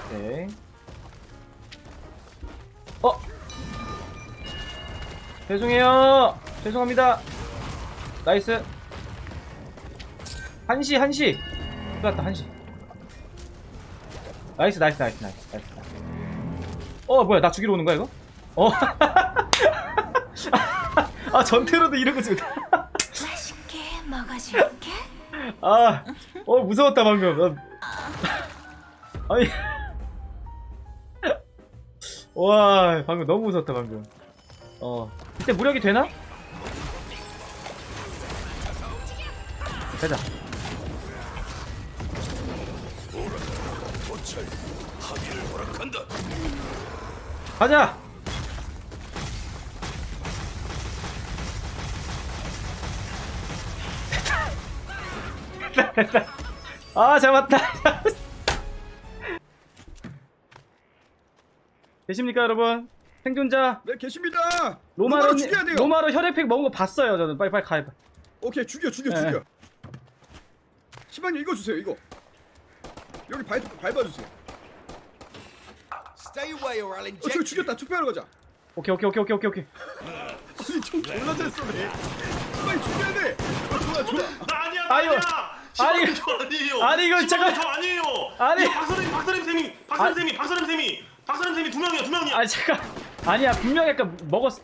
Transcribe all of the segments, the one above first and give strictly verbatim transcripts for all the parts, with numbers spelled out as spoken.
오케이. 어? 죄송해요. 죄송합니다. 나이스. 한시 한시. 끝났다 한시. 나이스 나이스 나이스 나이스 나이스. 어 뭐야 나 죽이러 오는 거야 이거? 어. 아 전태로도 이런 거 좋다. 맛있게 먹어줄게. 아, 어 무서웠다 방금. 아니, 와 방금 너무 무서웠다 방금. 어, 이때 무력이 되나? 가자. 가자. 아 잡았다. 계십니까 여러분? 생존자 네 계십니다. 로마로 죽여야 돼요. 로마로 혈액팩 먹은 거 봤어요 저는. 빨리 빨리 가요. 오케이 죽여 죽여 네. 죽여. 시방님 이거 주세요 이거. 여기 밟 밟아주세요. Stay away or I'll 어 inject 저기 죽였다. 투표하러 가자. 오케이 오케이 오케이 오케이 오케이 오케이. 아니 좀 졸라 잘 쏘네. 빨리 죽여야 돼. 어, 좋아 좋아. 나 아니야, 아유, 나 아니, 아니야. 저 아니에요. 아니, 이거 잠깐- 저 아니에요. 아니. 이거 박사님, 박사님 쌤이, 박사님 쌤이, 박사님 쌤이, 박사님 쌤이 두 명이야, 두 명이야. 아 잠깐. 아니야 분명히 아까 먹었.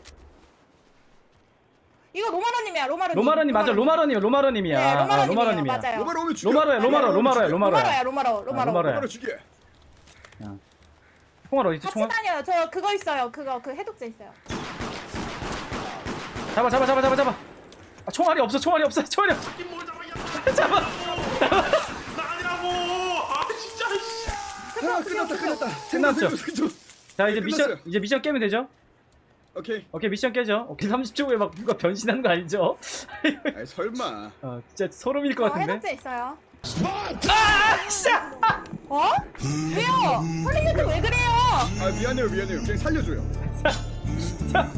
이거 로마로님이야 로마로님. 로마로님 맞아. 로마로님 로마로님이야. 네 아, 로마로님이에요. 로마로님이야. 맞아요. 로마로 오면 죽여. 로마로야 로마로 로마로야 로마로야. 로마로야 로마로 로마로. 로마로야. 로마로 죽여. 총알 어디 있지? 같이 총알? 다녀요. 저 그거 있어요. 그거 그 해독제 있어요. 잡아 잡아 잡아 잡아 잡아. 아 총알이 없어 총알이 없어 총알이 없어. 이뭘 잡아야. 잡아. 나 아니라고. 아 진짜. 씨. 아 끝났다 끝났다. 끝났죠? 생존. 자 이제 미션 끝났어요. 이제 미션 깨면 되죠? 오케이. 오케이 미션 깨죠. 오케이 삼십 초 후에 막 누가 변신하는 거 아니죠? 아이 설마. 어 진짜 소름일 것 어, 같은데. 해독제 있어요. 아 진짜. 어? 왜요? 헐리우드 왜 그래요? 아 미안해요 미안해요. 그냥 살려줘요. 자.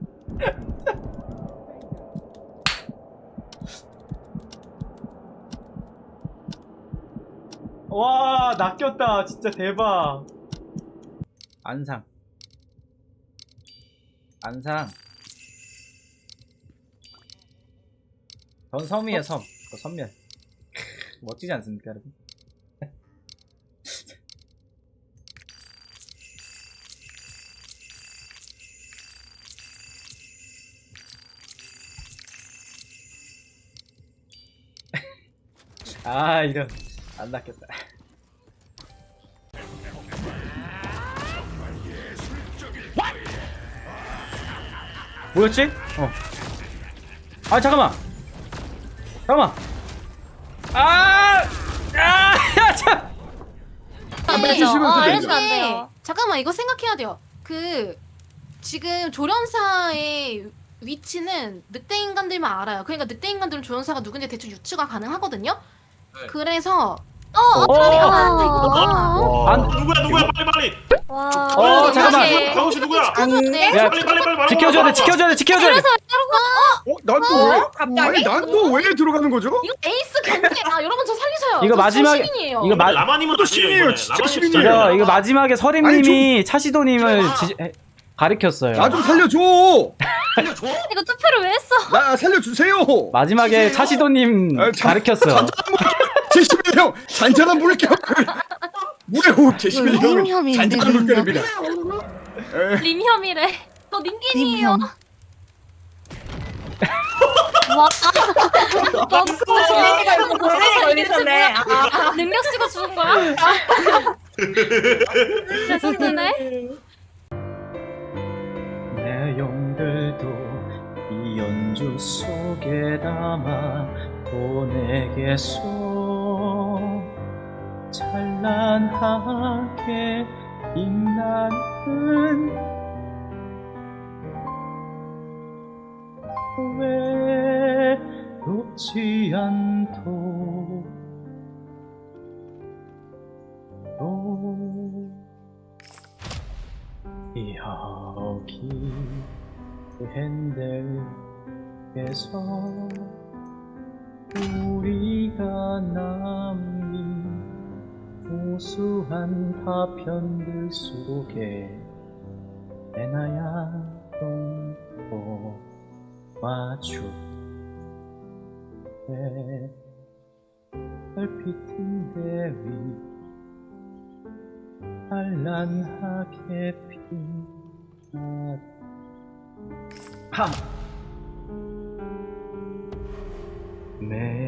와 낚였다 진짜 대박. 안상 안상 전 섬이에요 섬. 그 섬멸. 멋지지 않습니까 여러분? 아 이런 안 낚였다. 뭐였지? 어. 아 잠깐만. 잠깐만. 아, 아, 야 참. 안 네. 뱉으시면 어, 되죠. 알려주면 안 돼요. 잠깐만 이거 생각해야 돼요. 그 지금 조련사의 위치는 늑대 인간들만 알아요. 그러니까 늑대 인간들은 조련사가 누군지 대충 유추가 가능하거든요. 네. 그래서 어 어. 어떡해. 아, 어, 안- 누구야, 누구야, 빨리 빨리. 와. 어, 잠깐만. 강호 씨 누구야? 네. 야, 빨리 빨리 빨리 말하고 지켜줘야 돼, 말하고. 지켜줘야 돼, 지켜줘야 돼. 어? 난 또 왜? 갑자기? 아니 난 또 왜 들어가는 거죠? 이거 에이스 견제야. 여러분 저 살리셔요. 이거 저 마지막에- 시민이에요. 이거 마- 라마님은 또 아니에요, 신이에요, 이번에. 진짜 라마님 신이에요. 이거 아니에요. 이거 마지막에 서림님이 차시도님을 좀- 지, 해- 가리켰어요. 나 좀 살려줘. 살려줘? 이거 투표를 왜 했어? 나 살려주세요. 마지막에 주세요. 차시도님 아, 참- 가리켰어. 제시민 형 잔잔한 물결. 뭐래요 제시민 형 림혐이 잔잔한 있는데, 물결입니다. 에, 림혐이래. 저 닌겐이에요. 림혐. 와. 진행이가 있고 고생이 걸리셨네. 아, 능력 쓰고 죽은 거야? 레전드네. 내 용들도 이 연주 속에 담아 보내겠소. 찬란하게 빛나는 외롭지 않도록 여기 핸들에서 우리가 남긴 수수한 파편들 속에 내나야 똥고 마주 별빛인 대위 찬란하게 빛나 팜! 매